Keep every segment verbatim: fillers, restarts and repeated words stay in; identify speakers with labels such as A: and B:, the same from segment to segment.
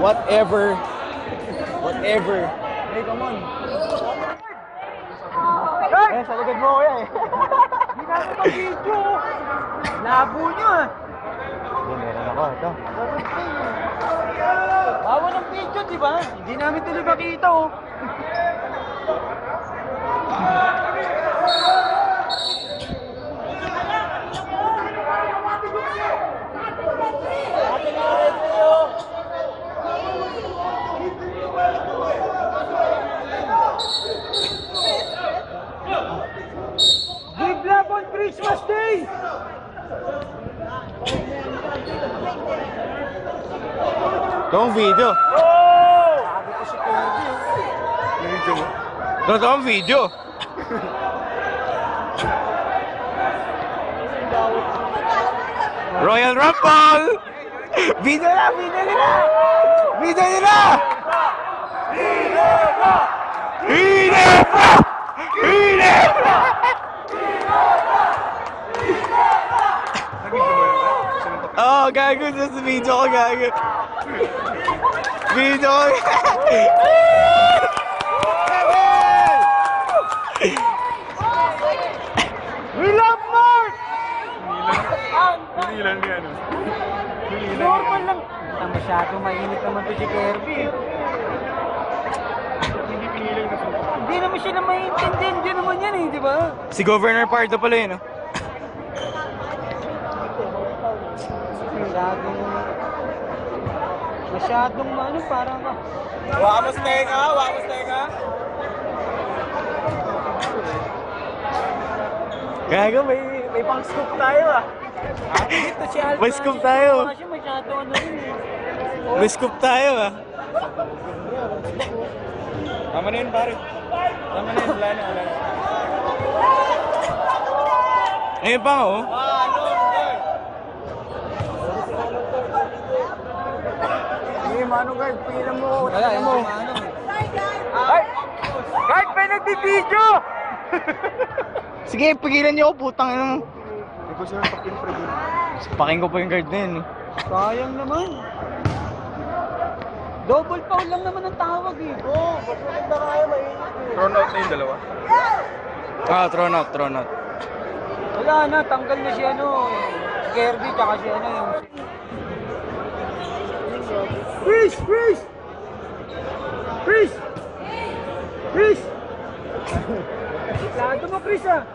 A: Whatever. Whatever.
B: Hey, come on. Eh, sa likod mo ko yan eh. Hindi namin mag-video. Labo nyo ah.
A: Hindi, meron ako. Ito.
B: Bawa ng video, di ba? Hindi namin tuloy makita oh. Give love on Christmas Day!
A: Ito ang video.
B: Oh! Sabi ko si Kirby.
A: Video mo? Ito ang video. Royal Rumble! Video na! Video nila! Video nila! Hinebra! Hinebra! Hinebra! Oo, oh, gago. Sa video ko, gago. Video ko.
B: We love Mark!
A: Hindi lang yan.
B: Normal lang. Ang masyadong mainit naman to si Kirby.
A: Hindi pinilang na.
B: Hindi naman siya na maintindihan. Hindi naman yan eh, di ba?
A: Si Governor Pardo pala yun, no?
B: Masyadong... Masyadong ano, parang...
A: Wamos tenga, wamos tenga. Gago, may may pang-scoop tayo ah.
B: Dito si Alpha.
A: May scoop tayo.
B: Kasi masyadong ano rin eh.
A: May scoop tayo ah. Tama na yun, pare. Tama na yun, wala na, wala na. Ayun pa nga, oh.
B: Sige, Manong Guard, pigilan mo. Wala, yun mo. Ay! Guard, may nagbibidyo!
A: Sige, pigilan niyo ako, putang ina mo.
B: Hindi ko siya pakin-preview.
A: Paking ko po yung guard na yun. eh.
B: Sayang naman. Double foul lang naman ang tawag eh. Oo, oh, ba't maganda kaya mainit eh.
A: Thrown out na yung dalawa? Ah, thrown out, thrown out.
B: Wala na, tanggal na si ano, si Kirby, tsaka si ano yung... Chris! Chris! Chris! Chris! Lado mo, Chris ah!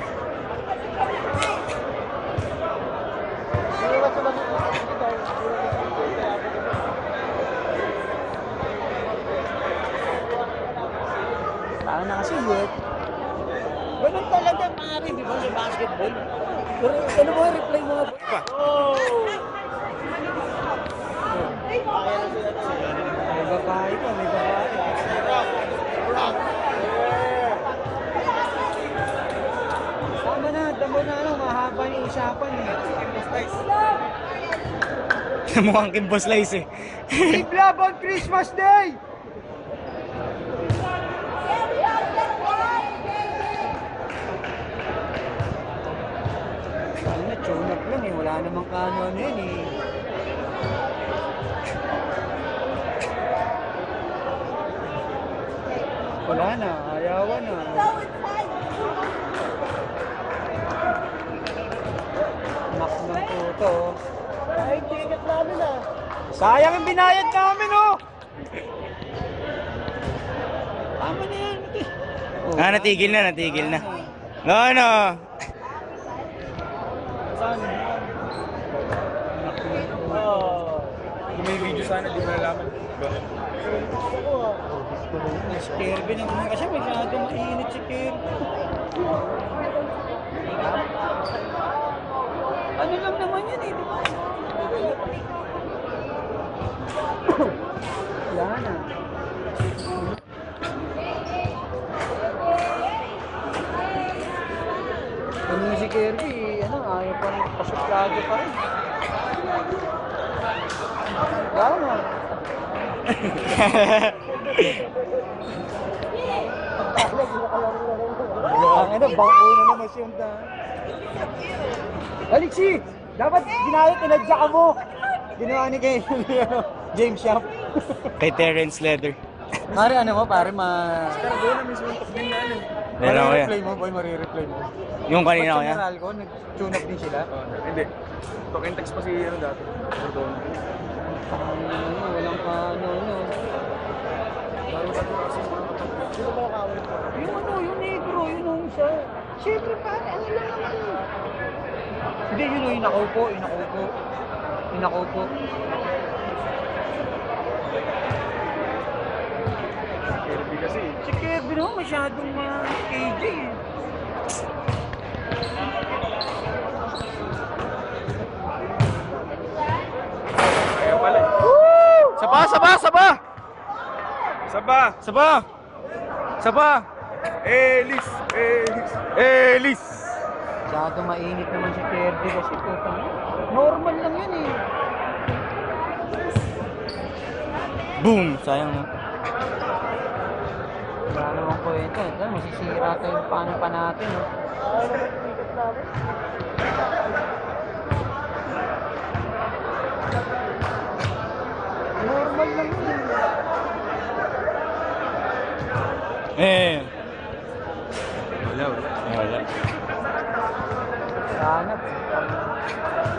B: Parang na kasi yun. Ganun talaga, pare, di ba, sa basketball? Pero ano mo, replay mo nga. Oh! May babae pa, may babae. Tama na, damo na ano, mahaba yung usapan eh.
A: Mukhang Kimbo Slice eh.
B: Give love on Christmas Day! Ano na, tune up lang eh. Wala namang kaano-ano yun eh. Wala na, ayawan na. Nak ng puto. Ay, ticket namin ah. Sayang yung binayad namin oh. Tama na yan. Oh,
A: Ah, natigil na, natigil na. No, no.
B: saan? Oh.
A: Kung may video sana, di mo nalaman.
B: Si Kirby naman kasi masyado mainit si Kirby. Ano lang naman yan eh, di ba? Wala na. Ano si Kirby, ano, ayaw pa rin pasuplado pa rin. Wala na. Ang ano, bangko na naman siyang da. Alexi! Dapat ginayot, inadya ka mo! Ginawa ni kay James Shop.
A: Kay Terence Leather.
B: Pare, ano mo, pare, ma...
C: Pero doon na may suntok din na ano.
A: Meron ko yan.
B: Marireplay mo, boy, marireplay mo.
A: Yung kanina ko
B: Pag
A: yan.
B: sa Meralco, nag-tune up din sila.
C: Oh, hindi. Talk and text pa si ano dati. Pero doon.
B: Ano, walang ka, ano, ano. Yung ano, yung negro, yun yung isa. Siyempre, pare, ano lang naman. Hindi, yun yung inakaupo, inakaupo. Inakaupo.
C: Kirby kasi.
B: Si Kevin naman masyadong uh, K J eh.
C: Kaya pala eh.
A: Saba, saba, saba!
C: Saba!
A: Saba! Saba!
C: Elis! Elis!
A: Elis!
B: Masyadong mainit naman si Kirby kasi putang ina. Normal lang yun eh.
A: Boom! Sayang no?
B: Wala naman kwenta. Ito, masisira tayo yung paano pa natin. No? Normal lang yun.
A: Eh.
C: Wala, wala.
A: Wala.
B: Sana.